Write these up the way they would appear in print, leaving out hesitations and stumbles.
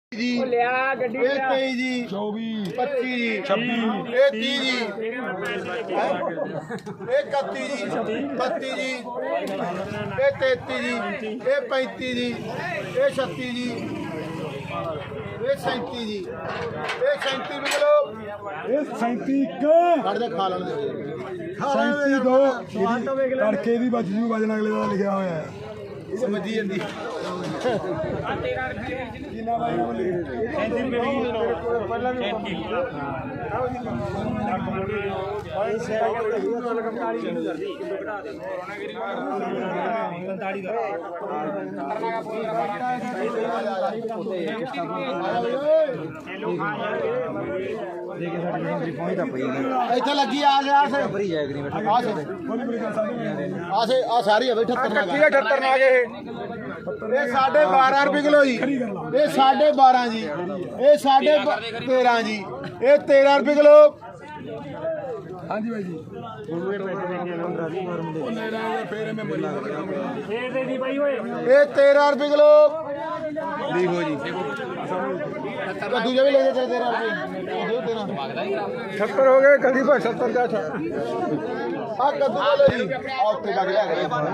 जी लिया गड्डी ये 23 जी 24 25 जी 26 ये 30 जी ये 31 जी 32 जी ये 33 जी ये 35 जी ये 36 जी ये 37 जी ये 37 भी लो ये 37 ਕੱਢ ਦੇ ਖਾ ਲੈਣ ਦੇ 37 ਦੋ ਤੜਕੇ ਦੀ ਬਚਜੂ ਵਜਨ ਅਗਲੇ ਦਾ ਲਿਖਿਆ ਹੋਇਆ ਹੈ ਇਹ ਵੱਜੀ ਜਾਂਦੀ ਜਿੰਨਾ ਬਾਈ ਬੋਲੀ 37 ਰੁਪਏ ਪਹਿਲਾਂ ਵੀ ਇੱਥੇ ਲੱਗੀ ਆ ਗਿਆ ਆ ਸਾਰੀ ਆ ਬਈ 78 ਨਾ ਗਏ ਇਹ 12.5 ਰੁਪਏ ਕਿਲੋ ਜੀ ਇਹ 12.5 ਜੀ ਇਹ 13.5 ਜੀ ਇਹ 13 ਰੁਪਏ ਕਿਲੋ हाँ जी भाई जी ये 13 रुपये किलो देखो जी कद्दू भी ले चल 13 रुपये 70 हो गए कभी 70 का था हाँ कद्दू का लो जी और लग लिया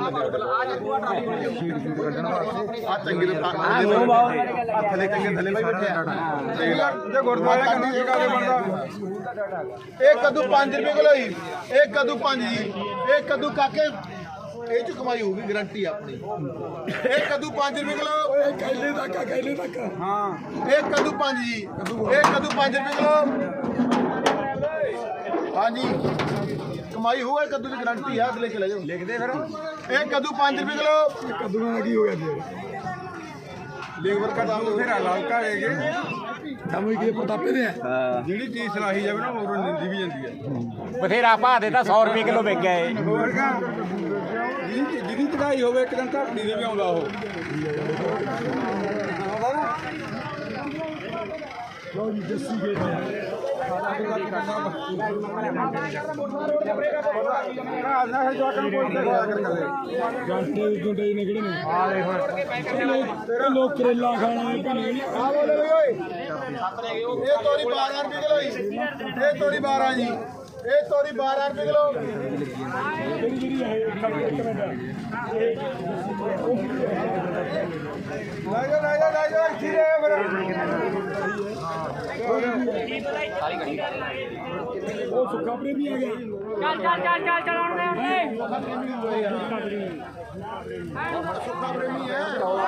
चंगी थले थले भाई बैठे गुरुद्वारे एक कद्दू 5 रुपये किलो जी एक कद्दू 5 जी एक कद्दू काके ये च कमाई होगी गारंटी अपनी एक कद्दू 5 रुपये किलो हाँ एक कद्दू 5 जी एक कद्दू 5 रुपये किलो हाँ जी कमाई होगा कद्दू की गारंटी है अगले चले जाओ लिख दे फिर एक कद्दू 5 रुपये किलो कद्दू में की हो गया लेबर का दाम फिर लालका है ਸਮਝ ਕੇ ਪ੍ਰਤਾਪੇ ਦੇ ਜਿਹੜੀ ਚੀਜ਼ ਸਲਾਹੀ ਜਾਵੇ ਨਾ ਹੋਰ ਨਿੰਦੀ ਵੀ ਜਾਂਦੀ ਹੈ ਬਥੇਰਾ ਭਾਅ ਦੇ ਤਾਂ 100 ਰੁਪਏ ਕਿਲੋ ਵਿਕ ਗਿਆ ਏ ਹੋਰ ਕਾ ਜਿਹਦੀ ਚੜਾਈ ਹੋਵੇ ਇੱਕ ਦਿਨ ਧਰਤੀ ਦੇ ਵੀ ਆਉਂਦਾ ਉਹ ਲੋ ਜੀ ਜੱਸੀ ਗੇਟ ਗਾਂਟੇ ਗੁੰਡੇ ਨੇ ਕਿਹੜੇ ਨੇ ਆ ਦੇਖੋ ਲੋਕ ਕਰੇਲਾ ਖਾਣਾ ਆ ਬੋਲੇ ਓਏ ਇਹ ਤੋਰੀ 12 ਰੁਪਏ ਕਿਲੋ ਜੀ ਇਹ ਤੋਰੀ 12 ਜੀ ਇਹ ਤੋਰੀ 12 ਰੁਪਏ ਕਿਲੋ ਜਿਹੜੀ ਹੈ ਇੱਕ ਮਿੰਟ ਲੈ ਜਾ ਇੱਥੇ ਉਹ ਸੁੱਕਾ ਪ੍ਰੇਮੀ ਆ ਗਿਆ ਚੱਲ ਸੁੱਖਾ ਪ੍ਰੇਮੀ ਹੈ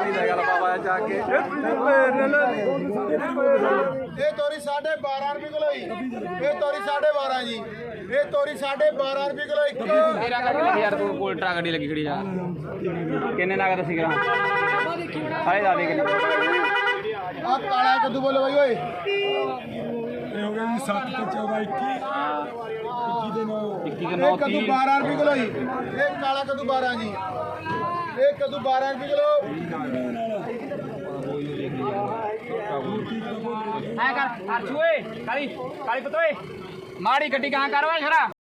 ਇਹ ਤੋਰੀ 12.5 ਰੁਪਏ ਕਿਲੋ ਜੀ ਇਹ ਤੋਰੀ 12.5 ਜੀ ਇਹ ਤੋਰੀ 12.5 ਰੁਪਏ ਕਿਲੋ ਇੱਕ ਤੇਰਾ ਗੱਡੀ ਯਾਰ ਤੂੰ ਕੋਲ ਟਰਾ ਗੱਡੀ ਲੱਗੀ ਖੜੀ ਜਾ ਕਿੰਨੇ ਨਗਦ ਸੀ ਗ੍ਰਾਮ ਸਾਰੇ ਦਾ ਦੇ ਆ ਕਾਲਾ ਕੱਦੂ ਬੋਲੋ ਬਾਈ ਓਏ ਇਹ ਹੋ ਗਿਆ ਜੀ 7 ਤੇ 14 21 ਦੇ 9 ਇਹ ਕੱਦੂ 12 ਰੁਪਏ ਕਿਲੋ ਜੀ ਇਹ ਕਾਲਾ ਕੱਦੂ 12 ਜੀ ਇਹ ਕੱਦੂ 12 ਰੁਪਏ ਕਿਲੋ ਐ ਕਰ ਅਰਸ਼ੂਏ ਕਾਲੀ ਪਤੋਏ ਮਾੜੀ ਗੱਡੀ ਕਹਾਂ ਕਰਵਾ ਛਰਾ